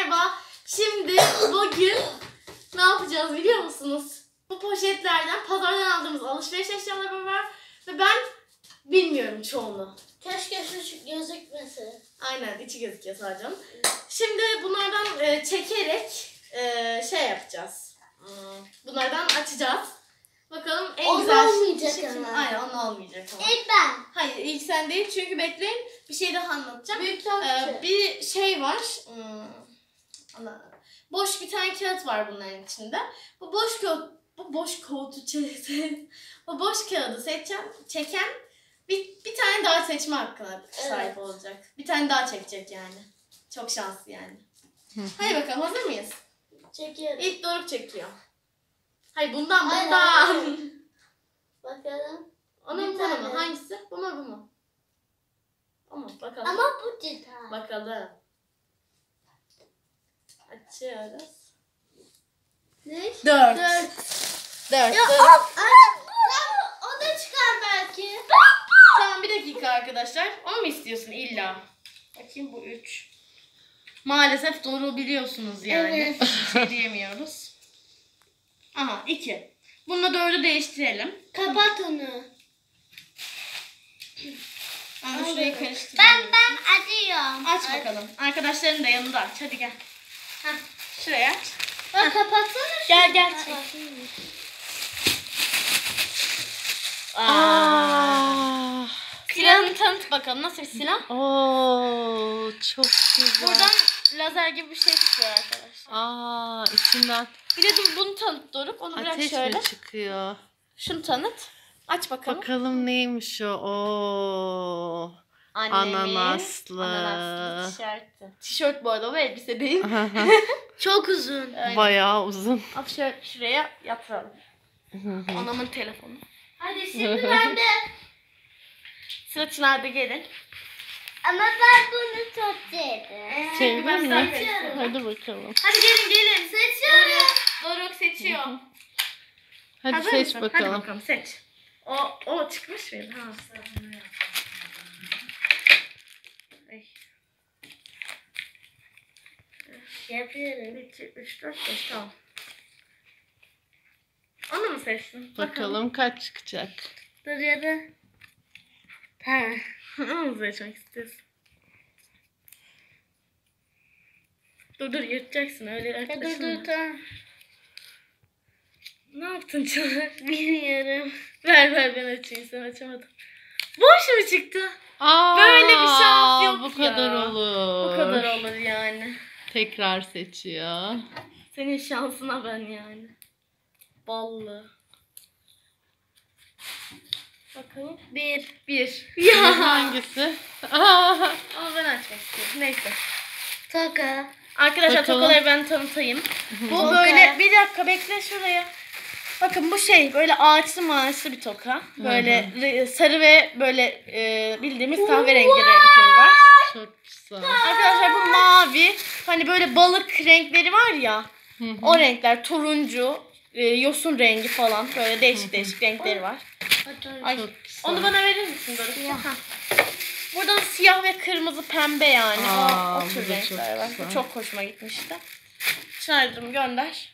merhaba. Şimdi bugün ne yapacağız biliyor musunuz? Bu poşetlerden pazardan aldığımız alışveriş eşyaları var ve ben bilmiyorum çoğunu. Keşke şu gözükmese. Aynen, içi gözüküyor sadece. Şimdi bunlardan çekerek şey yapacağız. Bunlardan açacağız. Bakalım en onu güzel olmayacak şey. ama. Aynen, onu olmayacak ama. İlk ben. Hayır, ilk sen değil çünkü bekleyin, bir şey daha anlatacağım. Büyük tatlı. Bir şey var. Boş bir tane kağıt var bunların içinde. Bu boş kağıdı çeken bir tane daha seçme hakkına sahip olacak. Bir tane daha çekecek yani. Çok şanslı yani. Hadi bakalım, hazır mıyız? Çekiyorum. İlk Doruk çekiyor. Hayır, bundan. Bakalım. Onun bunu mu? Hangisi? Bu mu? Ama bakalım. Ama bu cidden. Bakalım. Açıyoruz. Ne? 4. Ya o da çıkar belki. Tamam, bir dakika arkadaşlar. Onu mu istiyorsun illa? Bakayım, bu 3. Maalesef doğru biliyorsunuz yani. Evet. Bir şey diyemiyoruz. Aha, 2. Bununla 4'ü değiştirelim. Kapat onu. Ben şurayı karıştırayım. Ben acıyorum. Aç bakalım. Arkadaşların da yanında aç. Hadi gel. Heh, şuraya aç. Bak kapatsana. Gel. Silahını tanıt bakalım. Nasıl bir silah? Oo, çok güzel. Buradan lazer gibi bir şey çıkıyor arkadaşlar. İçinden Bir de dur, bunu tanıt Doruk. Onu bırak ateş şöyle. mi çıkıyor? Şunu tanıt. Aç bakalım. Bakalım neymiş o? Oo. Ananaslı. tişörtü. Tişört bu arada, o elbise değil. Çok uzun. Aynen. Bayağı uzun. Al şuraya yatıralım. Anamın telefonu. Hadi şimdi ben de. Sıra Çınar'da, gelin. Ama ben bunu çok sevdim. Sevdin ben mi? seçiyorum. Hadi bakalım. Hadi gelin. Seçiyorum. Doruk seçiyor. Hadi Hazır seç mısın? bakalım. Hadi bakalım, seç. O çıkmış mıydı? Ha. Ay. Yapıyorum. 1, 2, 3, 4, 5, tamam. Onu mu seçtin? Bakalım kaç çıkacak. Dur ya da. Tamam. Onu mu seçmek istiyorsun? Dur, yırtacaksın öyle yaklaşma. Dur tamam. Ne yaptın Çınar? Bilmiyorum. Ver ben açayım, sen açamadın. Boş mu çıktı? Böyle bir şans yok bu kadar ya. olur. Bu kadar olur yani. Tekrar seçiyor. Senin şansına ben yani. Ballı. Bakalım. 1. Ya. Hangisi? Ama ben açmak istiyorum. Neyse. Toka. Arkadaşlar, Bakalım. tokaları ben tanıtayım. Bu Toka. böyle, bir dakika bekle şuraya. Bakın, bu böyle ağaçlı bir toka. Böyle sarı ve böyle bildiğimiz kahverengi renkleri var. Çok güzel. Arkadaşlar, bu mavi. Hani böyle balık renkleri var ya. O renkler, turuncu, yosun rengi falan, böyle değişik renkleri var. Ay, Çok güzel. onu bana verir misin Doruk? Buradan siyah ve kırmızı, pembe yani. O bu tür da renkler çok var. güzel. Bu çok hoşuma gitmişti. Çınar'cığım gönder.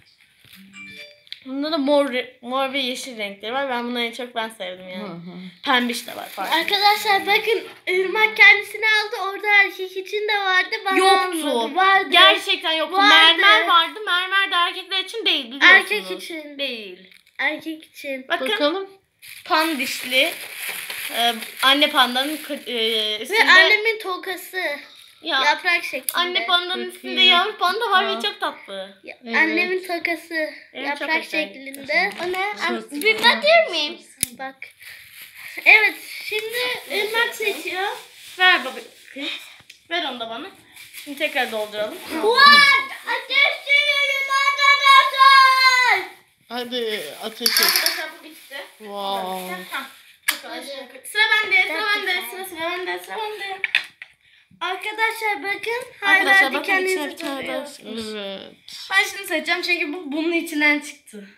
Bunda da mor ve yeşil renkleri var. Ben bunları en çok sevdim yani. Pembiş de var. Pardon. Arkadaşlar bakın, Irmak kendisini aldı. Orada erkek için de vardı. Bana Yoktu. almadı. Vardı. Gerçekten yoktu. Vardı. Mermer vardı. Mermer de erkekler için değil, biliyorsunuz. Erkek için. Değil. Erkek için. Bakın, Bakalım. pandişli. Anne pandanın Ve üstünde. annemin tokası. Ya, Yaprak şeklinde. anne pandanın Çok üstünde iyi. yavru panda var Ya. ve çok tatlı. Evet. Annemin tokası. Evet, çok Yaprak hoşuma şeklinde. O ne? Çok Bir bakır mıyım? Bak. Evet. Şimdi Irmak seçiyor. Ver baba. Ver onu da bana. Şimdi tekrar dolduralım. What? Ateş sürüyorum arkadaşlar. Hadi ateş et. Arkadaşlar, bu bitti. Wow. Tamam. Sıra bende. Sıra bende. Arkadaşlar bakın. Arkadaşlar, Hala bakın, içine dikeninizi bir tane daha tutuyor. Evet. Ben şimdi seçeceğim çünkü bunun içinden çıktı.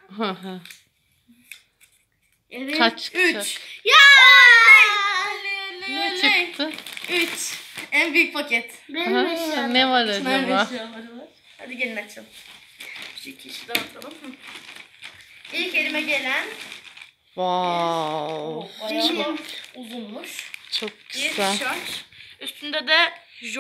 Evet. Kaç çıkacak? 3. Ya! Ne çıktı? 3. En büyük paket. Benim Ha, eşyalarım. ne var Nerede acaba? eşyaları var? Hadi gelin açalım. Şu iki işi dağıtalım. İlk elime gelen Wow. bayağı uzunmuş. Çok Bir güzel. tişört. Üstünde de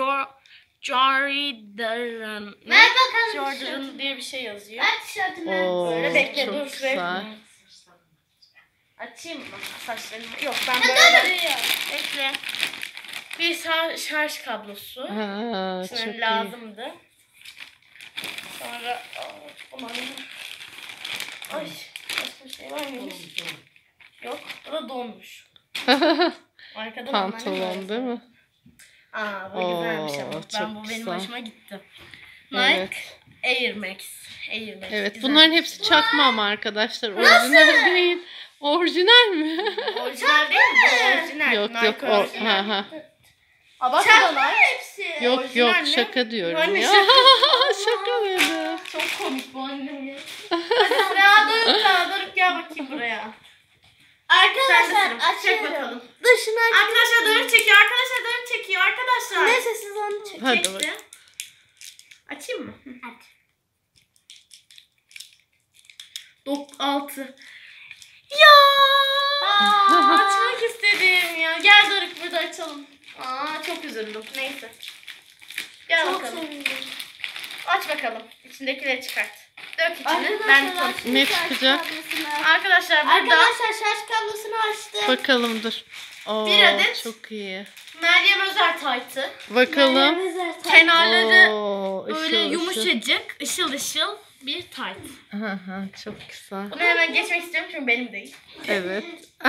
Jordan. Ver bakalım Jordan diye bir şey yazıyor. Ver tişörtümü. Oo, Böyle bekle çok dur. güzel. Açayım mı saçlarımı? Yok ben böyle bekle. Bir şarj kablosu. Ha, çok Şunun iyi. lazımdı. Sonra aman. Ay başka bir şey var mıymış? Yok bu da donmuş. Arkadan Pantolon değil mi? Aa bu güzelmiş ama. Oo, Ben çok bu benim güzel. hoşuma gitti. Nike Evet. Air Max. Evet, güzel. bunların hepsi çakma ama arkadaşlar. Orijinal değil. Orijinal mi? Orijinal değil mi? Bu orijinal. Yok Nike yok. orijinal. Ha. Aa, bak Çakma bu da Nike. hepsi. Yok Orijinal yok mi? şaka diyorum Anne, ya. Şaka dedim. Çok komik bu annem ya. Hadi Doruk gel bakayım buraya. Arkadaşlar Çek açıyorum. bakalım. Dışına aç. Arkadaşlar Doruk çekiyor. Arkadaşlar. Neyse siz onu çekin. Hadi Çekti. bakalım. Açayım mı? Aç. 6. Ya! Açmak istedim ya. Gel Doruk burada açalım. Aa çok üzüldüm. Neyse. Gel Çok bakalım. sevindim. Aç bakalım. İçindekileri çıkart. Dök içini. Ben Arkadaşlar tutayım. Ne şarj çıkacak? kablosunu- Arkadaşlar burada Arkadaşlar şarj kablosunu açtım. Bakalım dur. Oo, Bir adet. çok iyi. Meryem Özer taytı. Bakalım. Kenarları Oo, böyle ışıl ışıl. yumuşacık, ışıl ışıl bir tayt. Aha, çok güzel. Bunu hemen geçmek istiyorum çünkü benim değil. Evet.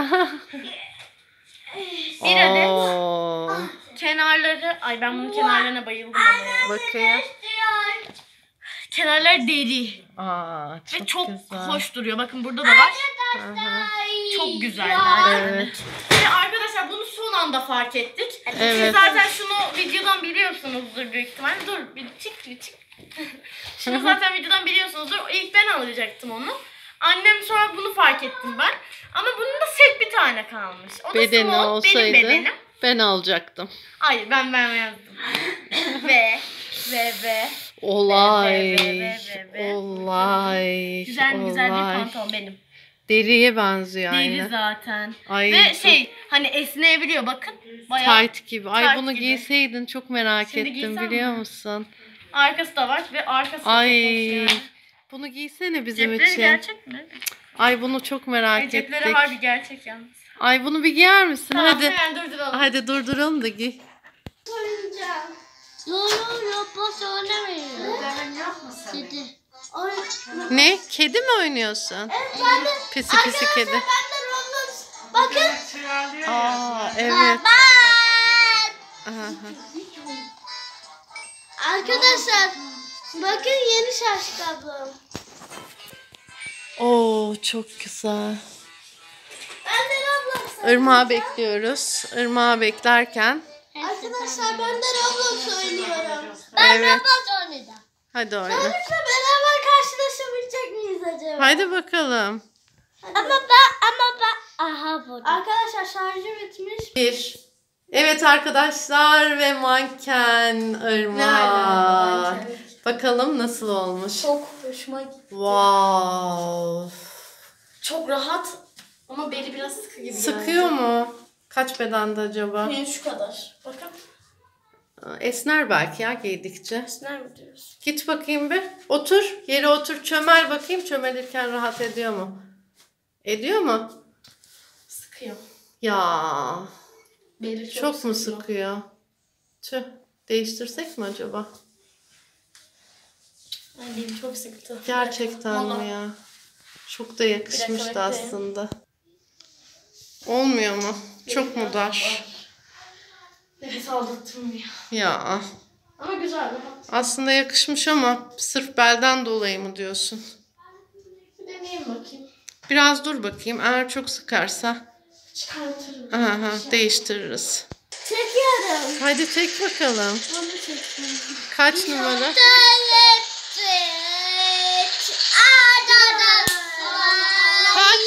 Bir adet. Oo, Kenarları, ay ben bunun kenarlarına bayıldım ama ya. bakayım. Kenarları deri Aa, çok, ve çok güzel. hoş duruyor. Bakın burada da var. Aha. Çok güzeller. Evet. Ve arkadaşlar bunu son anda fark ettik. Siz Evet. zaten şunu videodan biliyorsunuzdur büyük ihtimalle. Dur bir çık. Şunu zaten videodan biliyorsunuzdur. İlk ben alacaktım onu. Annem sonra bunu fark ettim ben. Ama bunun da set bir tane kalmış. O da Bedeni small, benim olsaydı bedenim. ben alacaktım. Hayır ben yazdım. ve. Olay. Ve. Olay. Güzel bir olay. pantolon benim. Deriye benziyor Deri aynı. zaten. Ay, Ve çok şey hani esneyebiliyor bakın. Bayağı tight gibi. Ay tight bunu gibi. giyseydin çok merak Şimdi ettim giysem biliyor mi? musun? arkası da var ve arkası da Ay çok hoş yani. bunu giysene bizim Cepleri için. gerçek mi? Ay bunu çok merak Cepleri ettik. harbi gerçek yalnız. Ay bunu bir giyer misin? Tamam Hadi. hemen durduralım. Hadi durduralım da giy. Soracağım. Yo boş oynamıyorum. Dedi. Ay. Ne? Kedi mi oynuyorsun? Evet ben de. Pisi pisi kedi. Ben de Roblox. Bakın. Aa evet. Baba. Aha. Arkadaşlar bakın yeni şarj kablom. Oo çok güzel. Ben de Roblox. Irmağı bekliyoruz. Irmağı beklerken. Arkadaşlar ben de Roblox oynuyorum. Evet. Roblox oynayacağım. Hadi oyna. Sonuçta beraber karşılaşabilecek miyiz acaba? Hadi bakalım. Ama ben aha bu. Arkadaşlar şarjı bitmiş. Bir. Evet arkadaşlar ve manken Irmak. Bakalım nasıl olmuş. Çok hoşuma gitti. Wow. Çok rahat ama beli biraz sıkı gibi Sıkıyor mu? Kaç bedende acaba? Yani şu kadar. Bakın. Esner belki ya giydikçe. Esner mi diyoruz? Git bakayım bir. Otur. Yere otur. Çömel bakayım. Çömelirken rahat ediyor mu? Ediyor mu? Sıkıyor. Ya. Beli Çok mu sıkıyor. sıkıyor? Tüh. Değiştirsek mi acaba? Ay belim çok sıktı. Gerçekten Vallahi. mi ya? Çok da yakışmıştı bekleyin. aslında. Olmuyor mu? Çok mu dar? Nefes aldırtmıyor. Ya. Ama güzel rahat. Aslında yakışmış ama sırf belden dolayı mı diyorsun? Bir deneyeyim bakayım. Biraz dur bakayım. Eğer çok sıkarsa Çıkartırım. aha, değiştiririz. Çekiyorum. Hadi çek bakalım. Bunu çekiyorum. Kaç numara? Kaç?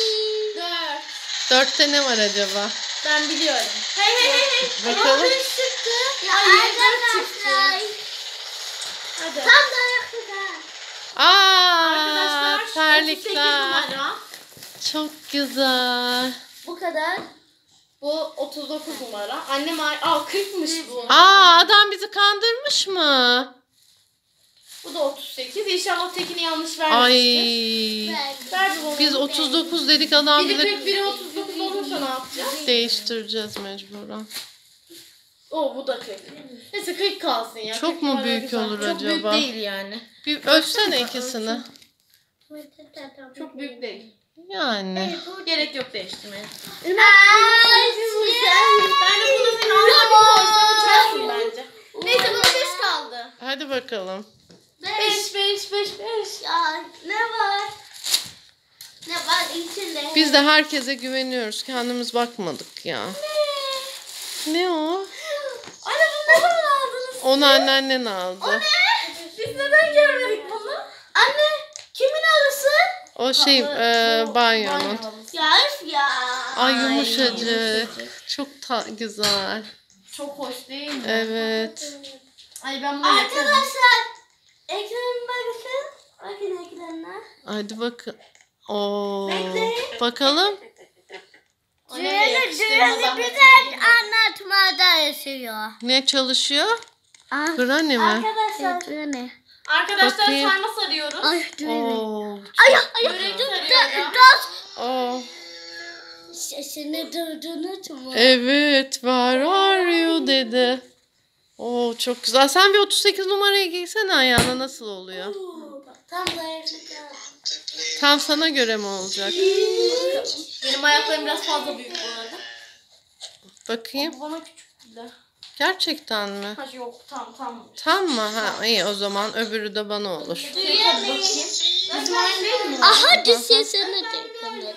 4. 4'te ne var acaba? Ben biliyorum. Hey. Bakalım. Çıktı. Arkadaşlar. Hadi. Tam da yaptık ha. Aa, Arkadaşlar 38 terlikler. numara. Çok güzel. Bu kadar. Bu 39 numara. Annem 40'mış bu. Aa, adam bizi kandırmış mı? Bu da 38. İnşallah tekini yanlış Ay. vermemiştir. Ver bunu. Biz 39 dedik, adam Biri bize 40, biri 39 olursa ne yapacağız? değiştireceğiz mecburen. Bu da 40. Neyse 40 kalsın ya. Çok 40 mu numara büyük güzel. olur Çok büyük acaba? değil yani. Bir ölçsene ikisini. Çok büyük değil. Yani. Gerek yok değiştirmeye. Ay, Ben de bunu senin ağzına koysam uçarsın bence. Neyse bana 5 kaldı. Hadi bakalım. 5. Ya ne var? Ne var içinde? Biz de herkese güveniyoruz. Kendimiz bakmadık ya. Ne o? Anne bunu ne zaman aldınız? Onu anneannen aldı. Biz neden görmedik bunu? Anne kimin arısı? O şey banyonun. Ya üf ya. Ay yumuşacık. Çok güzel. Çok hoş değil mi? Evet. Ay ben bunu yaparım. Arkadaşlar ekranıma bakın. Bakın ekranına. Hadi bakın. Oo. Bekle. Bakalım. Düğünü güzel anlatmada yaşıyor. Ne çalışıyor? Ah. Granny mi? Arkadaşlar. Düğünü. Arkadaşlar Bakayım. sarma sarıyoruz. Ay düğünü. Oo. Börek sarıyorum. Oo. Sesini duydunuz mu? Evet. Where are you dedi. Oo, çok güzel. Sen bir 38 numarayı giysene ayağına, nasıl oluyor? Tam da yaptık. Tam sana göre mi olacak? Benim ayaklarım biraz fazla büyük bu arada. Bakayım. Bu bana küçük de. Gerçekten mi? Ha yok tam. Tam mı? Ha iyi, o zaman öbürü de bana olur. Hadi bakayım. Bizim aynı değil mi? Aha sesini duydunuz.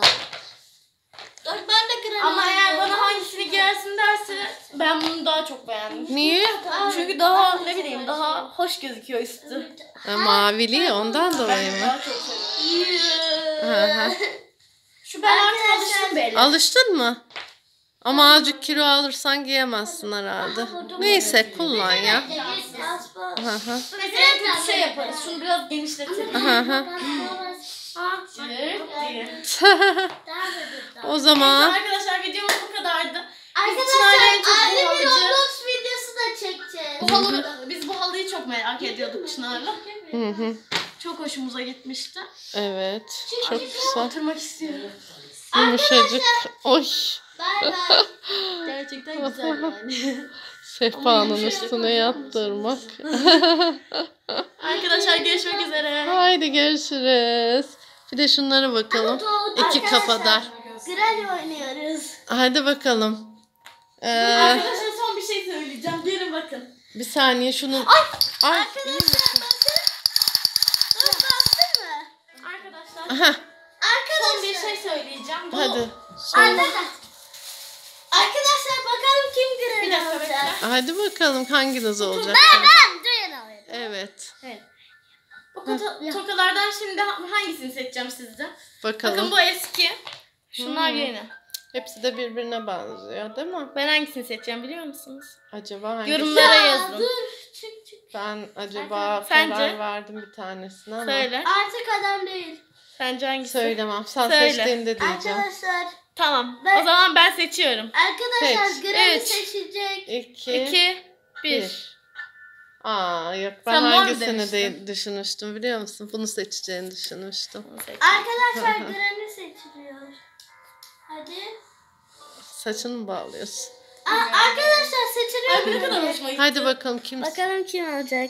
Ben de kırarım. Ama eğer bana hangisini giyersin derse ben bunu daha çok beğendim. Niye? Çünkü daha ne bileyim daha hoş gözüküyor üstü. Mavili ondan dolayı mı? Daha çok seviyorum. Hı hı. Şu ben artık alıştım belli. Alıştın mı? Ama azıcık kilo alırsan giyemezsin herhalde. Neyse, kullan ya. Hı hı. Neyse en kötü şey yaparız. Şunu biraz genişletelim. Hı hı. Cırt diye. O zaman Arkadaşlar videomuz bu kadardı. Arkadaşlar Çınar'la en çok bu anne bir halıcı. Roblox videosu da çekeceğiz. Biz bu halıyı çok merak ediyorduk Çınar'la. hı hı. Çok hoşumuza gitmişti. Evet. Çok güzel. Oturmak istiyorum. Yumuşacık. Oy. Bay bay. Gerçekten güzel yani. Sehpanın üstüne yattırmak. Arkadaşlar görüşmek üzere. Haydi görüşürüz. Bir de şunlara bakalım. İki kafadar. Granny oynuyoruz. Hadi bakalım. Arkadaşlar son bir şey söyleyeceğim. Gelin bakın. Bir saniye şunun... Ay. iyi misin? Bastın mı? Arkadaşlar Aha. son bir şey söyleyeceğim. Bu... Hadi. Söyle. Arkadaşlar bakalım kim Bir Granny dakika olacak. bekle. Hadi bakalım hanginiz olacak? Ben Duyan alayım. Evet. Bu tokalardan şimdi hangisini seçeceğim sizce? Bakın Bakalım. bu eski. Şunlar yeni. Hepsi de birbirine benziyor değil mi? Ben hangisini seçeceğim biliyor musunuz? Acaba hangisi? Yorumlara yazın. Dur çık. Ben acaba Sence? karar verdim bir tanesine ama Söyle. Artık adam değil. Sence hangisi? söylemem. Sen Söyle. seçtiğinde diyeceğim. Arkadaşlar. Tamam. Ben- O zaman ben seçiyorum. Arkadaşlar Seç. Granny Evet. seçecek. 2, 2, 1. 1. Aa yok, ben Sen mor hangisini demiştin. düşünmüştüm biliyor musun? Bunu seçeceğini düşünmüştüm. Arkadaşlar Granny seçiliyor. Hadi. Saçını mı bağlıyorsun? Arkadaşlar seçiliyor. Ay ne kadar Granny. hoşuma gitti. Hadi bakalım kim? Bakalım kim olacak.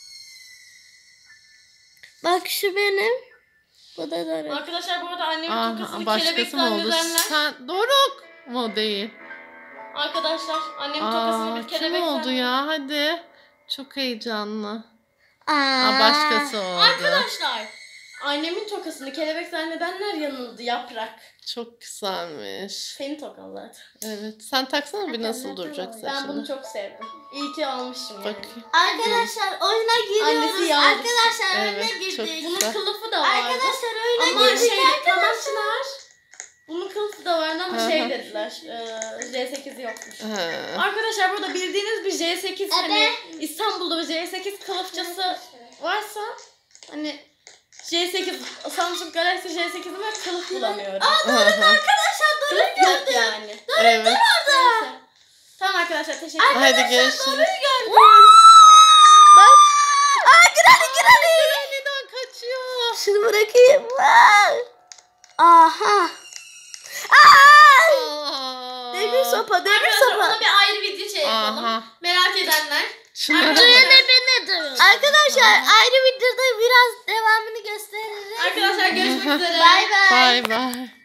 Bak şu benim. Bu da Doruk. Arkadaşlar bu arada annemin Aa, tokasını başkası kelebek mı oldu? zannedenler. Sen Doruk mu değil? Arkadaşlar annemin tokasını bir Kim kelebek oldu zannedenler. ya? Hadi. Çok heyecanlı. Aa, başkası oldu. Arkadaşlar annemin tokasını kelebek zannedenler yanıldı yaprak. Çok güzelmiş. Senin tokan zaten. Evet. Sen taksana bir, nasıl duracak Ben bunu saçını. çok sevdim. İyi ki almışım yani. Bakayım. Arkadaşlar oyuna giriyoruz. Annesi yalnız. Arkadaşlar oyuna Evet, çok girdik. Bunun güzel. kılıfı da vardı. Arkadaşlar oyuna Ama girdik şey arkadaşlar. Çınar. Bunun kılıfı da vardı ama Hı şey hı. dediler. J8'i yokmuş. He. Arkadaşlar burada bildiğiniz bir J8 hani İstanbul'da bir J8 kılıfçası varsa hani J8 Samsung Galaxy J8'in ve kılıf bulamıyorum. Hı hı. Arkadaşlar Kılıf yok yani. Evet. Neyse. Tamam arkadaşlar teşekkür ederim. Hadi görüşürüz. Bak. Aa Granny. Granny'den kaçıyor. Şunu bırakayım. Aha. Aa! Aa. Demir sopa, demir Arkadaşlar ona sopa. bir ayrı video şey yapalım. Aha. Merak edenler. Şunlara Arkadaşlar- bak. Arkadaşlar ayrı videoda biraz devamını gösteririz. Arkadaşlar görüşmek üzere. Bay bay. Bay bay.